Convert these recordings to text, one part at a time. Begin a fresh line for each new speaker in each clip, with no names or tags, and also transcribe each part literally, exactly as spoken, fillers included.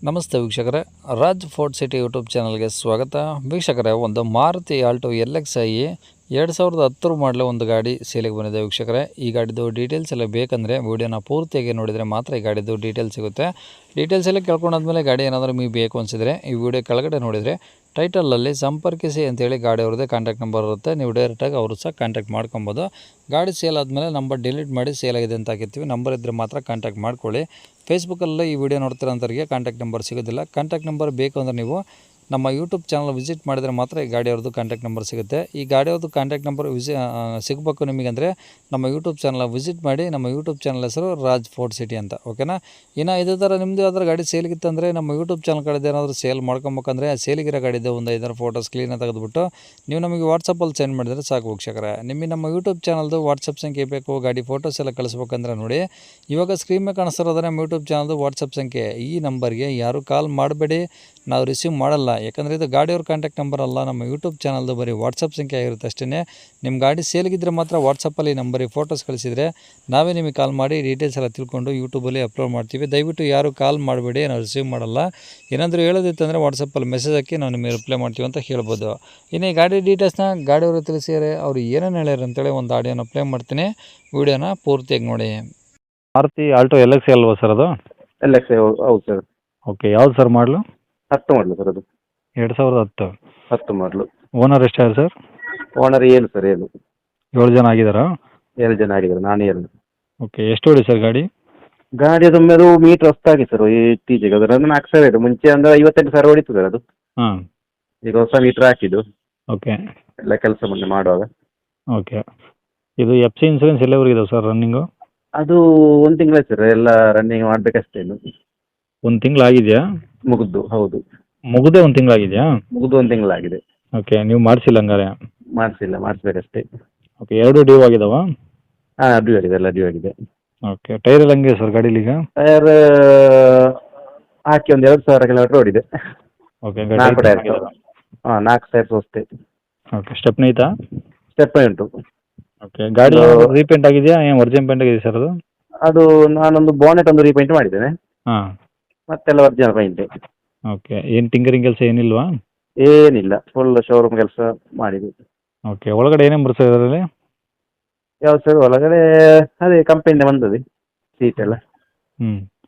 ನಮಸ್ತೆ ವೀಕ್ಷಕರೇ, Raj fort city YouTube ಚಾನಲ್ಗೆ ಸ್ವಾಗತ. ವೀಕ್ಷಕರೇ, ಒಂದು Maruti Alto L X I ಎರಡು ಸಾವಿರದ ಹತ್ತರ ಮಾಡಲು ಒಂದು ಗಾಡಿ ಸೇಲಿಗೆ ಬಂದಿದೆ. ವೀಕ್ಷಕರೇ, ಈ ಗಾಡಿದು ಡೀಟೇಲ್ಸ್ ಎಲ್ಲ ಬೇಕಂದರೆ ವೀಡಿಯೋನ ಪೂರ್ತಿಯಾಗಿ ನೋಡಿದರೆ ಮಾತ್ರ ಈ ಗಾಡಿದು ಡೀಟೇಲ್ಸ್ ಸಿಗುತ್ತೆ. ಡೀಟೇಲ್ಸ್ ಎಲ್ಲ ಕೇಳ್ಕೊಂಡಾದ್ಮೇಲೆ ಗಾಡಿ ಏನಾದರೂ ನಿಮಗೆ ಬೇಕು ಅನಿಸಿದರೆ ಈ ವಿಡಿಯೋ ಕೆಳಗಡೆ ನೋಡಿದರೆ ಟೈಟಲಲ್ಲಿ ಸಂಪರ್ಕಿಸಿ ಅಂತೇಳಿ ಗಾಡಿ ಅವ್ರದ್ದೇ ಕಾಂಟ್ಯಾಕ್ಟ್ ನಂಬರ್ ಇರುತ್ತೆ. ನೀವು ಡೈರೆಕ್ಟಾಗಿ ಅವರು ಸಹ ಕಾಂಟ್ಯಾಕ್ಟ್ ಮಾಡ್ಕೊಬೋದು. ಗಾಡಿ ಸೇಲ್ ಆದಮೇಲೆ ನಂಬರ್ ಡಿಲೀಟ್ ಮಾಡಿ ಸೇಲ್ ಆಗಿದೆ ಅಂತ ಹಾಕಿರ್ತೀವಿ. ನಂಬರ್ ಇದ್ದರೆ ಮಾತ್ರ ಕಾಂಟ್ಯಾಕ್ಟ್ ಮಾಡ್ಕೊಳ್ಳಿ. ಫೇಸ್ಬುಕ್ಕಲ್ಲಿ ಈ ವಿಡಿಯೋ ನೋಡ್ತಿರೋಂಥವ್ರಿಗೆ ಕಾಂಟ್ಯಾಕ್ಟ್ ನಂಬರ್ ಸಿಗೋದಿಲ್ಲ. ಕಾಂಟ್ಯಾಕ್ಟ್ ನಂಬರ್ ಬೇಕು ಅಂದರೆ ನೀವು ನಮ್ಮ ಯೂಟ್ಯೂಬ್ ಚಾನಲ್ ವಿಸಿಟ್ ಮಾಡಿದರೆ ಮಾತ್ರ ಈ ಗಾಡಿಯವ್ರದ್ದು ಕಾಂಟ್ಯಾಕ್ಟ್ ನಂಬರ್ ಸಿಗುತ್ತೆ. ಈ ಗಾಡಿಯವ್ರದ್ದು ಕಾಂಟ್ಯಾಕ್ಟ್ ನಂಬರ್ ವಿಸಿ ಸಿಗಬೇಕು ನಿಮಗೆ ಅಂದರೆ ನಮ್ಮ ಯೂಟ್ಯೂಬ್ ಚಾನಲ್ ವಿಸಿಟ್ ಮಾಡಿ. ನಮ್ಮ ಯೂಟ್ಯೂಬ್ ಚಾನಲ್ ಹೆಸರು ರಾಜ್ ಫೋರ್ಟ್ ಸಿಟಿ ಅಂತ, ಓಕೆನಾ. ಇನ್ನು ಇದೇ ಥರ ನಿಮ್ಮದು ಯಾವ್ದಾರು ಗಾಡಿ ಸೇಲಿಗಿತ್ತಂದರೆ ನಮ್ಮ ಯೂಟ್ಯೂಬ್ ಚಾನಲ್ ಕಡೆದು ಏನಾದರೂ ಸೇಲ್ ಮಾಡ್ಕೊಬೇಕಂದ್ರೆ ಸೇಲಿಗಿರೋ ಗಾಡಿದೆ ಒಂದು ಐದಾರು ಫೋಟೋಸ್ ಕ್ಲೀನಾಗಿ ತೆಗೆದುಬಿಟ್ಟು ನೀವು ನಮಗೆ ವಾಟ್ಸಪ್ಪಲ್ಲಿ ಸೆಂಡ್ ಮಾಡಿದರೆ ಸಾಕು ವೀಕ್ಷಕರೇ. ನಿಮಗೆ ನಮ್ಮ ಯೂಟ್ಯೂಬ್ ಚಾನಲ್ದು ವಾಟ್ಸಪ್ ಸಂಖ್ಯೆ ಬೇಕು, ಗಾಡಿ ಫೋಟೋಸ್ ಎಲ್ಲ ಕಳಿಸ್ಬೇಕಂದ್ರೆ ನೋಡಿ, ಇವಾಗ ಸ್ಕ್ರೀನ್ ಮೇಲೆ ಕಾಣಿಸ್ತಿರೋದ್ರೆ ನಮ್ಮ ಯೂಟ್ಯೂಬ್ ಚಾನಲ್ದು ವಾಟ್ಸಪ್ ಸಂಖ್ಯೆ. ಈ ನಂಬರ್ಗೆ ಯಾರು ಕಾಲ್ ಮಾಡಬೇಡಿ, ನಾವು ರಿಸೀವ್ ಮಾಡಲ್ಲ. ಯಾಕಂದರೆ ಇದು ಗಾಡಿಯವ್ರ ಕಾಂಟ್ಯಾಕ್ಟ್ ನಂಬರ್ ಅಲ್ಲ, ನಮ್ಮ ಯೂಟ್ಯೂಬ್ ಚಾನಲ್ದು ಬರೀ ವಾಟ್ಸಪ್ ಸಂಖ್ಯೆ ಆಗಿರುತ್ತೆ ಅಷ್ಟೇ. ನಿಮ್ಮ ಗಾಡಿ ಸೇಲ್ಗಿದ್ರೆ ಮಾತ್ರ ವಾಟ್ಸಪ್ಪಲ್ಲಿ ನಂಬರಿಗೆ ಫೋಟೋಸ್ ಕಳಿಸಿದರೆ ನಾವೇ ನಿಮಗೆ ಕಾಲ್ ಮಾಡಿ ಡೀಟೇಲ್ಸ್ ಎಲ್ಲ ತಿಳ್ಕೊಂಡು ಯೂಟ್ಯೂಬಲ್ಲಿ ಅಪ್ಲೋಡ್ ಮಾಡ್ತೀವಿ. ದಯವಿಟ್ಟು ಯಾರು ಕಾಲ್ ಮಾಡಬೇಡಿ, ನಾವು ರಿಸೀವ್ ಮಾಡಲ್ಲ. ಏನಾದರೂ ಹೇಳೋದಿತ್ತಂದರೆ ವಾಟ್ಸಪ್ಪಲ್ಲಿ ಮೆಸೇಜ್ ಹಾಕಿ ನಾವು ನಿಮಗೆ ರಿಪ್ಲೈ ಮಾಡ್ತೀವಿ ಅಂತ ಹೇಳ್ಬೋದು. ಇನ್ನು ಈ ಗಾಡಿ ಡೀಟೇಲ್ಸ್ನ ಗಾಡಿಯವರು ತಿಳಿಸಿದರೆ ಅವ್ರು ಏನೇನು ಹೇಳ್ಯಾರ ಅಂತೇಳಿ ಒಂದು ಆಡಿಯೋನ ಪ್ಲೇ ಮಾಡ್ತೀನಿ, ವೀಡಿಯೋನ ಪೂರ್ತಿಯಾಗಿ ನೋಡಿ. ಮಾರುತಿ ಆಲ್ಟೋ ಎಲ್ ಎಕ್ಸ್ ಅಲ್ವಾ ಸರ್ ಅದು?
ಎಲ್ ಎಕ್ಸ್ ಹೌದು ಸರ್.
ಓಕೆ, ಯಾವ್ದು ಸರ್ ಮಾಡಲು?
ಹತ್ತು ಮಾಡಲು ಸರ್ ಅದು.
ಎರಡು ಸಾವಿರದ ಹತ್ತು
ಹತ್ತು ಮಾಡಲು.
ಓನರ್ ಎಷ್ಟಾಗಿದೆ ಸರ್?
ಓನರ್ ಏಳು ಸರ್, ಏಳು.
ಏಳು ಜನ ಆಗಿದ್ದಾರಾ?
ಏಳು ಜನ ಆಗಿದ್ದಾರೆ, ನಾನು ಏಳು.
ಓಕೆ, ಎಷ್ಟು ಹೊಡಿ ಸರ್ ಗಾಡಿ?
ಗಾಡಿ ಅದು ಅದು ಮೀಟ್ರ್ ಹೊಸ್ತಾಗಿ ಸರ್ ಇತ್ತೀಚೆಗೆ. ಅದರ ನಾಲ್ಕು ಸಾವಿರ ಇದೆ. ಮುಂಚೆ ಅಂದರೆ ಐವತ್ತೆಂಟು ಸಾವಿರ ಹೊಡಿತು ಸರ್ ಅದು.
ಹಾಂ,
ಈಗ ಹೊಸ ಮೀಟ್ರ್ ಹಾಕಿದ್ದು
ಓಕೆ.
ಎಲ್ಲ ಕೆಲಸ ಮೊನ್ನೆ ಮಾಡುವಾಗ.
ಓಕೆ, ಇದು ಎಫ್ ಸಿ ಇನ್ಸೂರೆನ್ಸ್ ಎಲ್ಲವರೆಗೆ ಇದಾವೆ ಸರ್ ರನ್ನಿಂಗು?
ಅದು ಒಂದು ತಿಂಗಳ ಸರ್, ಎಲ್ಲ ರನ್ನಿಂಗ್ ಮಾಡಬೇಕಷ್ಟೇ. ಇನ್ನು
ಒಂದು ತಿಂಗಳಾಗಿದೆಯಾ?
ಮುಗಿದು, ಹೌದು.
ಮುಗಿದೇ ಒಂದು ತಿಂಗಳಾಗಿದೆಯಾ?
ಮುಗಿದು ಒಂದು ತಿಂಗಳಾಗಿದೆ.
ಓಕೆ, ನೀವು ಮಾಡಿಸಿಲ್ಲ ಹಂಗಾರೆ?
ಮಾಡಿಸಿಲ್ಲ, ಮಾಡಿಸ್ಬೇಕಷ್ಟೇ.
ಓಕೆ, ಎರಡು ಡ್ಯೂ ಆಗಿದಾವಾ?
ಹಾಂ, ಡ್ಯೂ ಆಗಿದೆ, ಎಲ್ಲ ಡ್ಯೂ ಆಗಿದೆ.
ಓಕೆ, ಟೈರ್ ಎಲ್ಲ ಹಂಗೆ ಸರ್ ಗಾಡೀಲಿ ಈಗ?
ಟೈರ್ ಹಾಕಿ ಒಂದು ಎರಡು ಸಾವಿರ ಕಿಲೋಮೀಟ್ರ್ ಓಡಿದೆ.
ಓಕೆ,
ನಾಲ್ಕು ಟೈರ್. ಹಾಂ, ನಾಲ್ಕು ಟೈರ್ ಅಷ್ಟೇ.
ಓಕೆ, ಸ್ಟೆಪ್ನಿ ಐತಾ?
ಸ್ಟೆಪ್ ಉಂಟು.
ಓಕೆ, ಗಾಡಿ ರೀಪೇಂಟ್ ಆಗಿದೆಯಾ, ಏನು ಒರಿಜಿನಲ್ ಪೇಂಟ್ ಆಗಿದೆ ಸರ್ ಅದು?
ಅದು ನಾನೊಂದು ಬೋನೆಟ್ ಒಂದು ರೀಪೇಂಟ್ ಮಾಡಿದ್ದೇನೆ,
ಹಾಂ.
ಮತ್ತೆಲ್ಲ ಒರಿಜಿನಲ್ ಪೇಂಟ್.
ಓಕೆ, ಏನು ಟಿಂಕರಿಂಗ್ ಕೆಲಸ ಏನಿಲ್ವಾ?
ಏನಿಲ್ಲ, ಫುಲ್ ಶೋರೂಮ್ ಕೆಲಸ ಮಾಡಿದ್ವಿ.
ಓಕೆ, ಒಳಗಡೆ ಏನೇನು ಬರ್ತದೆ ಅದರಲ್ಲಿ?
ಯಾವ್ದು ಸರ್ ಒಳಗಡೆ ಅದೇ ಕಂಪನಿಯಿಂದ ಬಂದದ್ದು ಸೀಟ್ ಎಲ್ಲ.
ಹ್ಞೂ,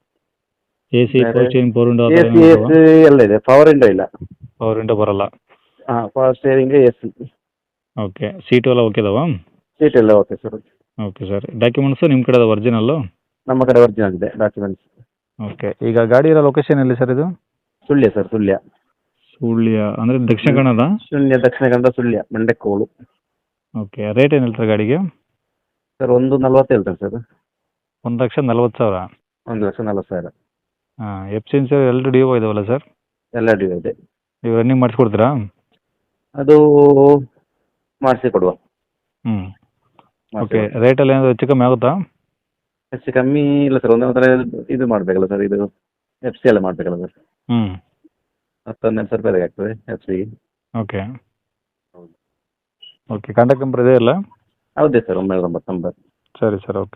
A C, four chain, four window
A C S ಎಲ್ಲ ಇದೆ. ಪವರ್ ವಿಂಡೋ ಇಲ್ಲ.
ಪವರ್ ವಿಂಡೋ ಬರಲ್ಲ.
ಹಾಂ, power steering, A C.
Okay, seat ಎಲ್ಲ ಓಕೆ ಇದಾವಾ?
ಸೀಟ್ ಎಲ್ಲ okay sir.
Okay sir, documents ನಿಮ್ಮ ಕಡೆ ಒರಿಜಿನಲ್ಲು?
ನಮ್ಮ ಕಡೆ ಒರಿಜಿನಲ್ ಇದೆ ಡಾಕ್ಯುಮೆಂಟ್ಸ್.
ಓಕೆ, ಈಗ ಗಾಡಿ ಇರೋ ಲೊಕೇಶನ್ ಎಲ್ಲಿ ಸರ್ ಇದು?
ಸುಳ್ಯ ಸರ್, ಸುಳ್ಯ.
ಸುಳ್ಯ ಅಂದರೆ ದಕ್ಷಿಣ ಕನ್ನಡ?
ಶೂನ್ಯ ದಕ್ಷಿಣ ಕನ್ನಡ, ಸುಳ್ಯ, ಮಂಡಕ್ಕೋಳು.
ಓಕೆ, ರೇಟ್ ಏನು ಹೇಳ್ತಾರೆ ಗಾಡಿಗೆ?
ಸರ್ ಒಂದು ನಲ್ವತ್ತು ಹೇಳ್ತಾರೆ ಸರ್.
ಒಂದು ಲಕ್ಷ ನಲ್ವತ್ತು ಸಾವಿರ?
ಒಂದು ಲಕ್ಷ ನಲ್ವತ್ತು ಸಾವಿರ.
ಹಾಂ, ಎಫ್ ಸಿ ಇನ್ಸೂರೆನ್ಸ್ ಎರಡು ಡ್ಯೂ ಇದಾವಲ್ಲ ಸರ್?
ಎಲ್ಲ ಡ್ಯೂ ಇದೆ.
ನೀವು ರನ್ನಿಂಗ್ ಮಾಡಿಸ್ಕೊಡ್ತೀರಾ?
ಅದು ಮಾಡಿಸಿ ಕೊಡುವ.
ಹ್ಞೂ, ಓಕೆ. ರೇಟಲ್ಲಿ ಏನಾದರೂ ಹೆಚ್ಚು ಕಮ್ಮಿ ಆಗುತ್ತಾ?
ಹೆಚ್ಚು ಕಮ್ಮಿ ಇಲ್ಲ ಸರ್. ಒಂದು ಒಂಥರ ಇದು ಮಾಡಬೇಕಲ್ಲ ಸರ್, ಇದು ಎಫ್ ಸಿ ಎಲ್ಲ ಮಾಡಬೇಕಲ್ಲ ಸರ್.
ಹ್ಞೂ,
ಹತ್ತು ಹನ್ನೆರಡು ಸಾವಿರ ರೂಪಾಯಿ ಆಗ್ತದೆ ಎಫ್ ಸಿಗೆ.
ಓಕೆ.
ಹೌದು.
ಓಕೆ, ಕಾಂಟ್ಯಾಕ್ಟ್ ನಂಬರ್ ಇದೆ ಅಲ್ಲ?
ಹೌದೇ ಸರ್, ಒಂಬೈನೂರ ಒಂಬತ್ತು ನಂಬರ್.
ಸರಿ ಸರ್, ಓಕೆ.